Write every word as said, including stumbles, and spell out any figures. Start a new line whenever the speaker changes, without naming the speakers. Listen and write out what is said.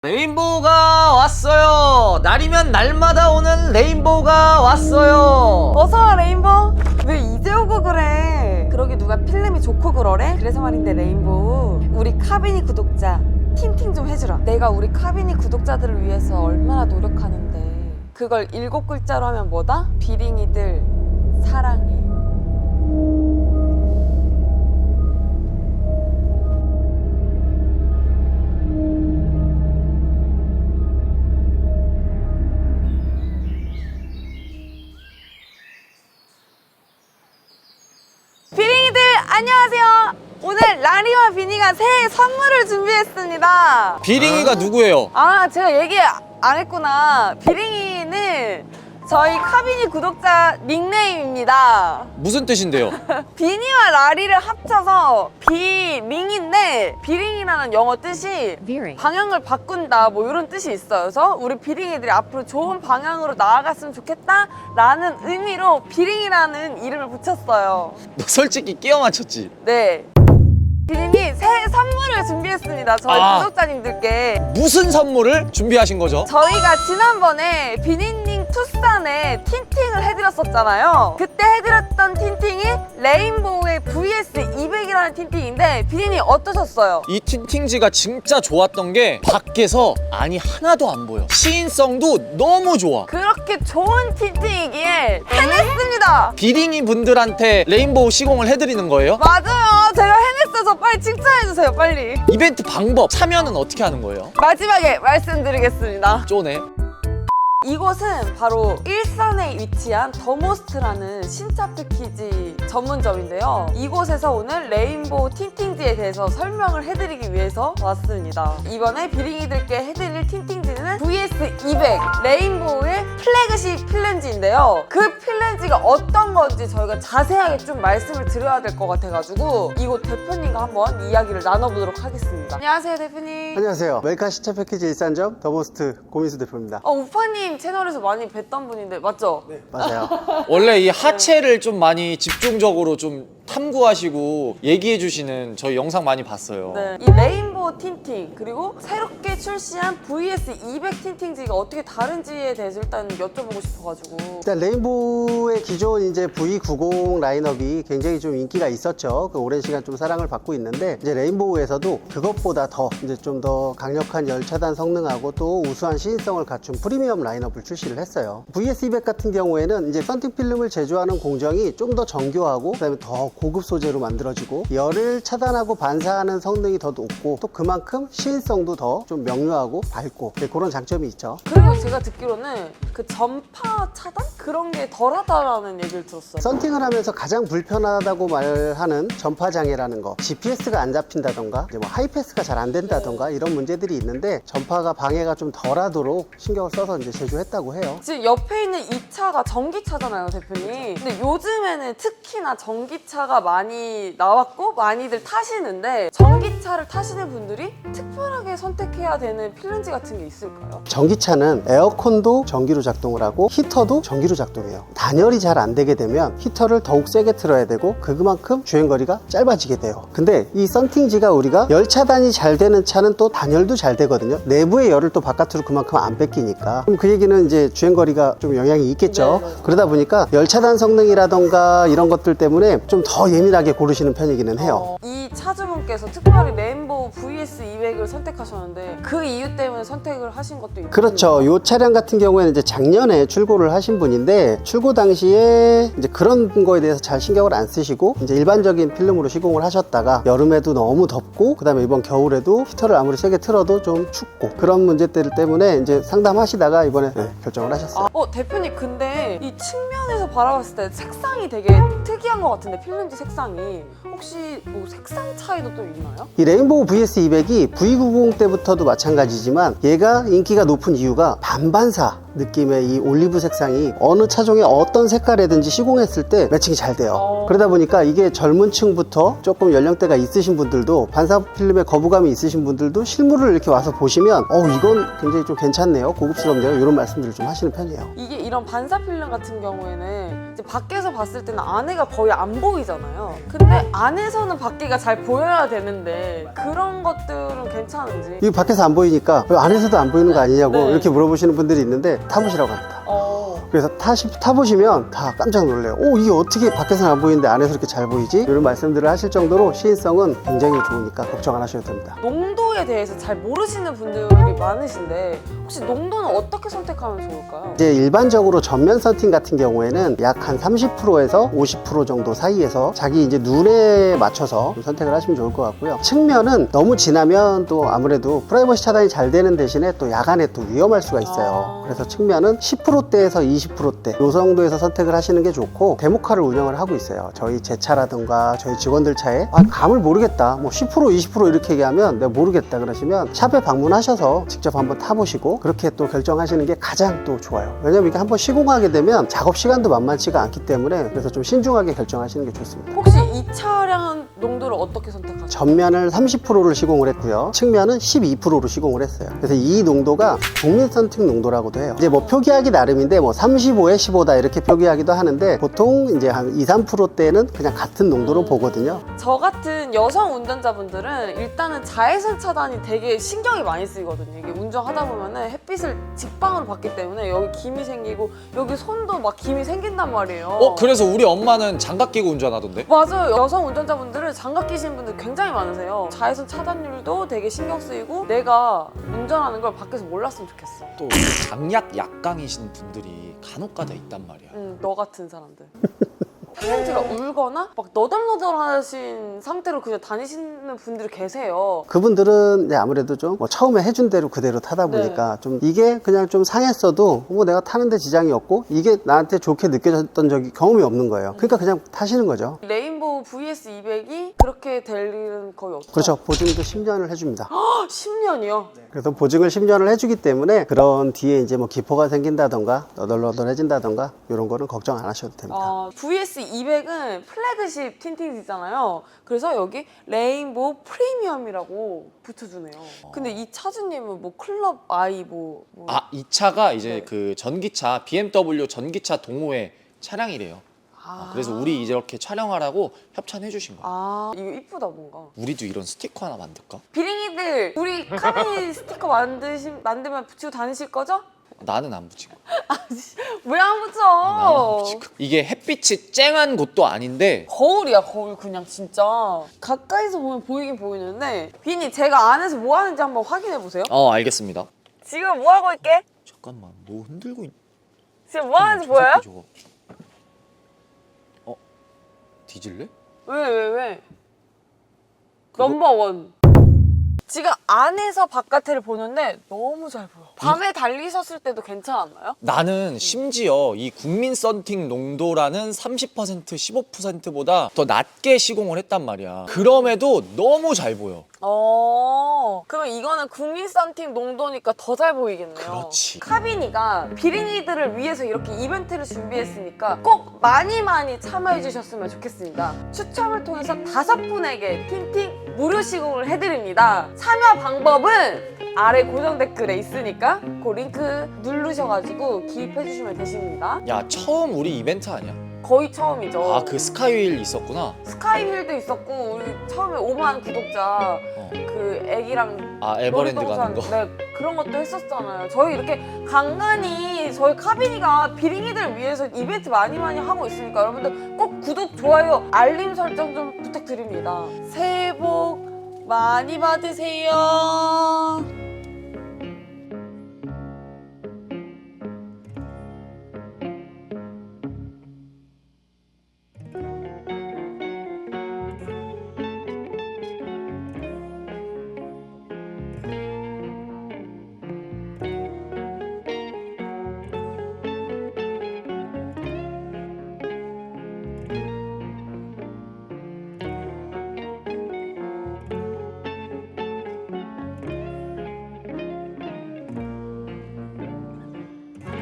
레인보우가 왔어요. 날이면 날마다 오는 레인보우가 왔어요.
어서와 레인보우. 왜 이제 오고 그래? 그러게 누가 필름이 좋고 그러래? 그래서 말인데 레인보우, 우리 카비니 구독자 틴팅 좀 해주라. 내가 우리 카비니 구독자들을 위해서 얼마나 노력하는데 그걸 일곱 글자로 하면 뭐다? 비링이들 사랑해. 비링이들 안녕하세요. 오늘 라리와 비니가 새해 선물을 준비했습니다.
비링이가 누구예요?
아, 제가 얘기 안 했구나. 비링이는 저희 카비니 구독자 닉네임입니다.
무슨 뜻인데요?
비니와 라리를 합쳐서 비링인데, 비링이라는 영어 뜻이
Veering.
방향을 바꾼다 뭐 이런 뜻이 있어요. 그래서 우리 비링이들이 앞으로 좋은 방향으로 나아갔으면 좋겠다 라는 의미로 비링이라는 이름을 붙였어요.
너 솔직히 끼워 맞췄지?
네, 비님이 새해 선물을 준비했습니다. 저희
아.
구독자님들께.
무슨 선물을 준비하신 거죠?
저희가 지난번에 비니님 투싼에 틴팅을 해드렸었잖아요. 그때 해드렸던 틴팅이 레인보우의 브이에스 이백이라는 틴팅인데 비니님 어떠셨어요?
이 틴팅지가 진짜 좋았던 게 밖에서 안이 하나도 안 보여. 시인성도 너무 좋아.
그렇게 좋은 틴팅이기에 해냈습니다.
비링이 분들한테 레인보우 시공을 해드리는 거예요?
맞아요, 제가 해냈어서 빨리 칭찬해주세요. 빨리.
이벤트 방법, 참여는 어떻게 하는 거예요?
마지막에 말씀드리겠습니다.
쪼네.
이곳은 바로 일산에 위치한 더모스트라는 신차 패키지 전문점인데요. 이곳에서 오늘 레인보우 틴팅지에 대해서 설명을 해드리기 위해서 왔습니다. 이번에 비링이들께 해드릴 틴팅지는 브이에스 이백 레인보우의 플래그십 필렌지인데요. 그 필렌지가 어떤 건지 저희가 자세하게 좀 말씀을 드려야 될 것 같아가지고 이곳 대표님과 한번 이야기를 나눠보도록 하겠습니다. 안녕하세요, 대표님.
안녕하세요. 웰카 신차 패키지 일산점 더모스트 고민수 대표입니다.
어, 우파님 채널에서 많이 뵀던 분인데 맞죠?
네, 맞아요.
원래 이 하체를 좀 많이 집중적으로 좀 탐구하시고 얘기해 주시는 저희 영상 많이 봤어요.
네, 이 레인보우 틴팅 그리고 새롭게 출시한 브이에스 이백 틴팅지가 어떻게 다른지에 대해서 일단 여쭤보고 싶어가지고.
일단 레인보우의 기존 이제 브이 구십 라인업이 굉장히 좀 인기가 있었죠. 그 오랜 시간 좀 사랑을 받고 있는데 이제 레인보우에서도 그것보다 더 이제 좀 더 강력한 열차단 성능하고 또 우수한 시인성을 갖춘 프리미엄 라인업을 출시를 했어요. 브이에스 이백 같은 경우에는 이제 썬팅 필름을 제조하는 공정이 좀 더 정교하고 그다음에 더 고급 소재로 만들어지고 열을 차단하고 반사하는 성능이 더 높고 또 그만큼 시인성도 더 좀 명료하고 밝고 네, 그런 장점이 있죠.
그리고 제가 듣기로는 그 전파 차단? 그런 게 덜하다라는 얘기를 들었어요.
썬팅을 하면서 가장 불편하다고 말하는 전파 장애라는 거, 지피에스가 안 잡힌다던가 이제 뭐 하이패스가 잘 안 된다던가 이런 문제들이 있는데 전파가 방해가 좀 덜하도록 신경을 써서 이제 제조했다고 해요.
지금 옆에 있는 이 차가 전기차잖아요, 대표님. 근데 요즘에는 특히나 전기차가 많이 나왔고 많이들 타시는데 전기차를 타시는 분들이 특별하게 선택해야 되는 필렌지 같은 게 있을까요?
전기차는 에어컨도 전기로 작동을 하고 히터도 전기로 작동해요. 단열이 잘 안 되게 되면 히터를 더욱 세게 틀어야 되고 그만큼 주행거리가 짧아지게 돼요. 근데 이 썬팅지가 우리가 열 차단이 잘 되는 차는 또 단열도 잘 되거든요. 내부의 열을 또 바깥으로 그만큼 안 뺏기니까. 그럼 그 얘기는 이제 주행거리가 좀 영향이 있겠죠.
네, 네.
그러다 보니까 열 차단 성능이라던가 이런 것들 때문에 좀 더 예민하게 고르시는 편이기는 해요.
어, 이 차주분께서 특별히 레인보우 브이에스 이백을 선택하셨는데 그 이유 때문에 선택을 하신 것도 있나요?
그렇죠. 이 차량 같은 경우에는 이제 작년에 출고를 하신 분인데 출고 당시에 이제 그런 거에 대해서 잘 신경을 안 쓰시고 이제 일반적인 필름으로 시공을 하셨다가 여름에도 너무 덥고 그다음에 이번 겨울에도 히터를 아무리 세게 틀어도 좀 춥고 그런 문제들 때문에 이제 상담하시다가 이번에 네, 결정을 하셨어요.
아, 어 대표님, 근데 이 측면에서 바라봤을 때 색상이 되게 특이한 것 같은데 필름지 색상이 혹시 뭐 색상 차이도 또 있나요?
이 레인보우 브이에스 이백이 브이 구십 때부터도 마찬가지지만 얘가 인기가 높은 이유가 반반사 느낌의 이 올리브 색상이 어느 차종의 어떤 색깔이든지 시공했을 때 매칭이 잘 돼요.
어.
그러다 보니까 이게 젊은 층부터 조금 연령대가 있으신 분들도 반사필름에 거부감이 있으신 분들도 실물을 이렇게 와서 보시면 어 이건 굉장히 좀 괜찮네요, 고급스럽네요, 이런 말씀들을 좀 하시는 편이에요.
이게 이런 반사필름 같은 경우에는 이제 밖에서 봤을 때는 안에가 거의 안 보이잖아요. 근데 안에서는 밖에가 잘 보여야 되는데 그런 것들은 괜찮은지.
이거 밖에서 안 보이니까 왜 안에서도 안 보이는 거 아니냐고
네.
이렇게 물어보시는 분들이 있는데 타보시라고 합니다.
어.
그래서 타시, 타보시면 다 깜짝 놀래요. 오, 이게 어떻게 밖에서는 안 보이는데 안에서 이렇게 잘 보이지? 이런 말씀들을 하실 정도로 시인성은 굉장히 좋으니까 걱정 안 하셔도 됩니다.
농도에 대해서 잘 모르시는 분들이 많으신데 혹시 농도는 어떻게 선택하면 좋을까요?
이제 일반적으로 전면 썬팅 같은 경우에는 약 한 삼십 퍼센트에서 오십 퍼센트 정도 사이에서 자기 이제 눈에 맞춰서 좀 선택을 하시면 좋을 것 같고요. 측면은 너무 진하면 또 아무래도 프라이버시 차단이 잘 되는 대신에 또 야간에 또 위험할 수가 있어요.
아.
그래서 측면은 십 퍼센트대에서 이십 퍼센트대 이 정도에서 선택을 하시는 게 좋고, 데모카를 운영을 하고 있어요. 저희 제 차라든가 저희 직원들 차에 아, 감을 모르겠다, 뭐 십 퍼센트 이십 퍼센트 이렇게 얘기하면 내가 모르겠다 그러시면 샵에 방문하셔서 직접 한번 타보시고 그렇게 또 결정하시는 게 가장 또 좋아요. 왜냐면 이게 한번 시공하게 되면 작업 시간도 만만치가 않기 때문에, 그래서 좀 신중하게 결정하시는 게 좋습니다.
혹시 이 차량은 농도를 어떻게 선택하세요?
전면을 삼십 퍼센트를 시공을 했고요, 측면은 십이 퍼센트로 시공을 했어요. 그래서 이 농도가 국민 썬팅 농도라고도 해요. 이제 뭐 표기하기 나름인데 뭐 삼십오에 십오다 이렇게 표기하기도 하는데, 보통 이제 한 이, 삼 퍼센트대는 그냥 같은 농도로 보거든요.
저 같은 여성 운전자분들은 일단은 자외선 차단이 되게 신경이 많이 쓰이거든요. 이게 운전하다 보면은 햇빛을 직방으로 받기 때문에 여기 김이 생기고 여기 손도 막 김이 생긴단 말이에요.
어 그래서 우리 엄마는 장갑 끼고 운전하던데?
맞아요. 여성 운전자분들은 장갑 끼시는 분들 굉장히 많으세요. 자외선 차단율도 되게 신경 쓰이고 내가 운전하는 걸 밖에서 몰랐으면 좋겠어.
또 강약 약강이신 분들이 간혹가다 있단 말이야.
응, 너 같은 사람들. 페인트가 울거나 막 너덜너덜하신 상태로 그냥 다니시는 분들이 계세요.
그분들은 이제 아무래도 좀 뭐 처음에 해준 대로 그대로 타다 보니까 좀 이게 그냥 좀 상했어도 뭐 내가 타는데 지장이 없고 이게 나한테 좋게 느껴졌던 적이 경험이 없는 거예요. 그러니까 그냥 타시는 거죠.
레인보우 브이에스 이백이 그렇게 될 일은 거의 없죠.
그렇죠. 보증도 십 년을 해줍니다.
십 년이요?
그래서 보증을 십 년을 해주기 때문에 그런 뒤에 이제 뭐 기포가 생긴다던가 너덜너덜해진다던가 이런 거는 걱정 안 하셔도 됩니다.
아, 브이에스 이백은 플래그십 틴팅이잖아요. 그래서 여기 레인보우 프리미엄이라고 붙여주네요. 근데 이 차주님은 뭐 클럽 아이 뭐, 뭐...
아 이 차가 이제
네.
그 전기차 비엠더블유 전기차 동호회 차량이래요.
아.
아, 그래서 우리 이렇게 촬영하라고 협찬해 주신 거야.
아 이거 이쁘다 뭔가.
우리도 이런 스티커 하나 만들까?
비링이들 우리 카비 스티커 만드시, 만들면 붙이고 다니실 거죠?
나는 안 붙이고.
왜 안 붙여?
나는 안 붙이고. 이게 햇빛이 쨍한 곳도 아닌데
거울이야 거울 그냥 진짜 가까이서 보면 보이긴 보이는데 비니 제가 안에서 뭐 하는지 한번 확인해 보세요.
어 알겠습니다.
지금 뭐 하고 있게?
잠깐만 뭐 흔들고 있...
지금 뭐 하는지
저
보여요?
새끼 저거. 어? 뒤질래?
왜 왜 왜?
그거-
넘버원. 지금 안에서 바깥을 보는데 너무 잘 보여. 밤에 달리셨을 때도 괜찮았나요?
나는 심지어 이 국민 썬팅 농도라는 삼십 퍼센트, 십오 퍼센트보다 더 낮게 시공을 했단 말이야. 그럼에도 너무 잘 보여.
어, 그러면 이거는 국민 썬팅 농도니까 더 잘 보이겠네요.
그렇지.
카비니가 비링이들을 위해서 이렇게 이벤트를 준비했으니까 꼭 많이 많이 참여해 주셨으면 좋겠습니다. 추첨을 통해서 다섯 분에게 틴팅 무료 시공을 해드립니다. 참여 방법은 아래 고정 댓글에 있으니까 그 링크 누르셔가지고 기입해 주시면 되십니다.
야 처음 우리 이벤트 아니야?
거의 처음이죠.
아 그 스카이휠 있었구나.
스카이힐도 있었고 우리 처음에 오만 구독자
어.
그 애기랑
아 에버랜드 가는 거.
네, 그런 것도 했었잖아요. 저희 이렇게 간간히 저희 카비니가 비링이들 위해서 이벤트 많이 많이 하고 있으니까 여러분들 꼭 구독, 좋아요, 알림 설정 좀 부탁드립니다. 새해 복 많이 받으세요.